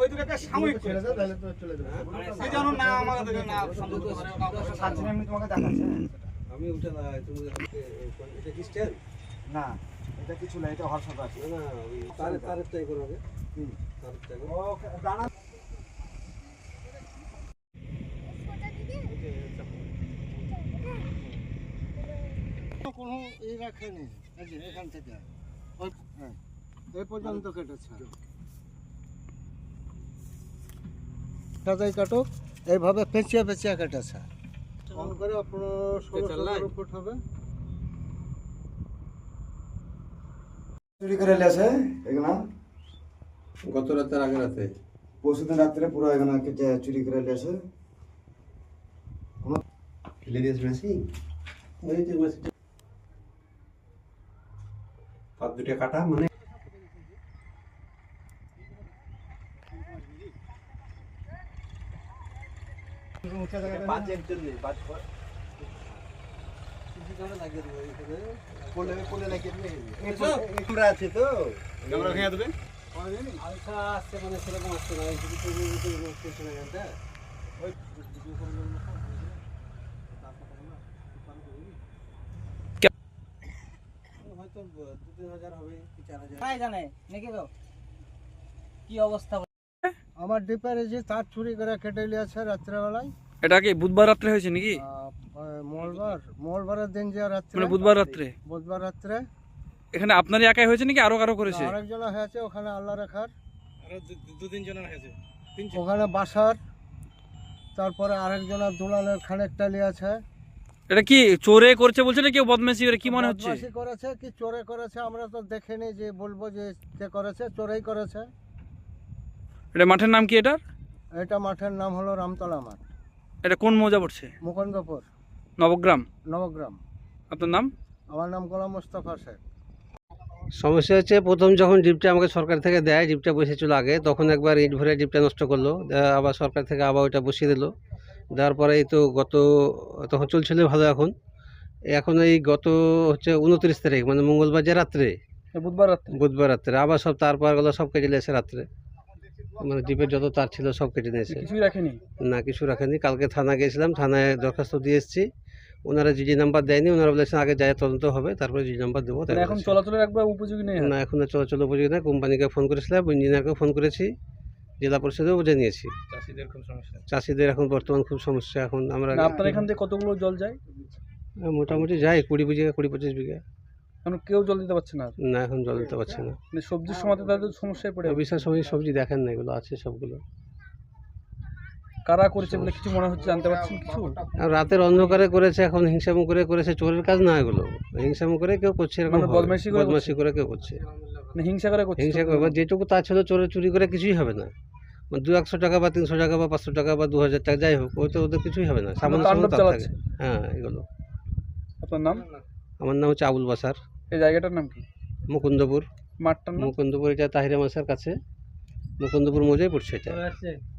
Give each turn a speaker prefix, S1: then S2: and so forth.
S1: ওই দুটাকে সাময়িক ছেড়ে দাও, তাহলে তো চলে যাবে। এই জন্য না আমাদের না সম্ভব হতে পারে, ওটা সাথে আমি তোমাকে দেখাচ্ছি।
S2: আমি ওটা না, তুমি এটা কি স্ট্যান্ড?
S1: না, এটা কিছু না, এটা হর্ষদ আছে।
S2: না না, ওই তারের টাই করো আগে। তারের টাই করো।
S1: ও দানা
S2: কোনো এই রাখেনি, এই যে এখান থেকে ওই হ্যাঁ এই পর্যন্ত কেটেছে। সাজাই কাটো, এইভাবে পেঁচিয়ে পেঁচিয়ে কেটেছে। অন করে আপনার 16 ফুট হবে।
S1: চুরি করে লেছে এগুলা
S2: গত রাতের আগে রাতে
S1: পরশুদিন রাত্রে পুরো এগুলা কেটে চুরি করে লেছে।
S2: ফেলে দিয়েছে মেশি, ওই যে মেশিটা পাত দুটো কাটা, মানে আমরা আছি তো
S1: ক্যামেরা ভেঙে দেবে।
S2: আলসা আসছে, মানে সেরকম আসছে না, এই গানটা ওই হয়তো 2-3 হাজার হবে কি 4,000
S3: কাই জানে নাকি গো কি অবস্থা।
S2: আমার ডিপারে যে তার চুরি করে কেটে নিয়েছে রাত্রেবেলায়।
S4: এটা কি বুধবার রাত্রে হয়েছে নাকি?
S2: মঙ্গলবারের দিন যে রাত্রে,
S4: মানে বুধবার রাত্রে।
S2: বুধবার রাত্রে
S4: এখানে আপনারই একাই হয়েছে নাকি আরো কারো করেছে?
S2: আরেকজন হয়েছে ওখানে আল্লাহ রেখার,
S1: আরো 2-3 জনের হয়েছে।
S2: ওখানে বাসার, তারপরে আরেকজনের দুলালের খানেকটা নিয়েছে।
S4: এটা কি চোরে করছে বলছে না কেউ বদমাইশি করে, কি মনে হচ্ছে?
S2: বদমাশি করেছে কি চোরে করেছে আমরা তো দেখিনি, যে বলবো যে কে করেছে, চোরেই করেছে।
S4: এটা মাঠের নাম কি এটার?
S2: এটা মাঠের নাম হলো রামতলা মাঠ,
S4: এটা কোন মৌজা পড়ছে?
S2: মুকুন্দপুর
S4: নবগ্রাম।
S2: নবগ্রাম।
S4: আপনার নাম?
S2: আমার নাম গোলাম মোস্তফা শেখ।
S5: সমস্যা হচ্ছে, প্রথম যখন ডিপটা আমাকে সরকার থেকে দেয়, ডিপটা বসেছিল আগে, তখন একবার ইট ভরে ডিপটা নষ্ট করলো, আবার সরকার থেকে আবার ওইটা বসিয়ে দিল। দেওয়ার পরে এই তো তখন চলছিল ভালো। এখন এই গত হচ্ছে 29 তারিখ, মানে মঙ্গলবার যে রাত্রে, বুধবার রাত্রে আবার সব তার পারগুলো সব কেটে নিয়েছে রাত্রে। মানে ডিপের যত তার ছিল সব কেটে নিয়েছে।
S4: কিছুই রাখেনি?
S5: না, কিছু রাখেনি। কালকে থানা গিয়েছিলাম, থানায় দরখাস্ত দিয়ে এসেছি। ওনারা জিডি নাম্বার দেয়নি, ওনারা বলেছেন আগে যায় তদন্ত হবে, তারপরে জিডি নাম্বার দেবো।
S4: এখন চলাচলের একবার উপযোগী নেই?
S5: না, এখন আর চলাচল উপযোগী না। কোম্পানিকে ফোন করেছিলাম, ইঞ্জিনিয়ারকেও ফোন করেছি, জেলা পরিষদেও জানিয়েছি। চাষিদের এখন বর্তমান খুব সমস্যা। এখন আমরা
S4: আপনার এখান থেকে কতগুলো জল যায়?
S5: মোটামুটি যাই 20-25 বিঘা।
S4: এখন কেউ জল দিতে পারছে না?
S5: না, এখন জল দিতে পারছে না।
S4: মানে সবজির সময় তাদের সমস্যায় পড়ে।
S5: বিশাল সময় সবজি দেখেন না, এগুলো আছে সবগুলো।
S4: কারা করেছে বলে কিছু মনে হচ্ছে, জানতে পারছেন কিছু?
S5: আর রাতের অন্ধকারে করেছে, এখন হিংসামু করে করেছে। চোরের কাজ না এগুলো, হিংসামু করে কেউ করছে, এরকম
S4: মানে
S5: বদমাশি করে কেউ করছে,
S4: মানে হিংসা করে করছে।
S5: হিংসা করে। যেটুকু তার ছিল চোরে চুরি করে কিছুই হবে না। 200-100 টাকা বা 300 টাকা বা 500 টাকা বা 2000 টাকা যাই হোক, ওই তো ওদের কিছুই হবে না। সামান্য সামান্য তার থাকে। হ্যাঁ, এগুলো।
S4: আপনার নাম?
S5: আমার নাম হচ্ছে আবুল বাসার।
S4: এই জায়গাটার নাম কি?
S5: মুকুন্দপুর।
S4: মাঠটার নাম?
S5: মুকুন্দপুর, এটা তাহিরা মাসার কাছে মুকুন্দপুর মৌজায় পড়ছে এটা।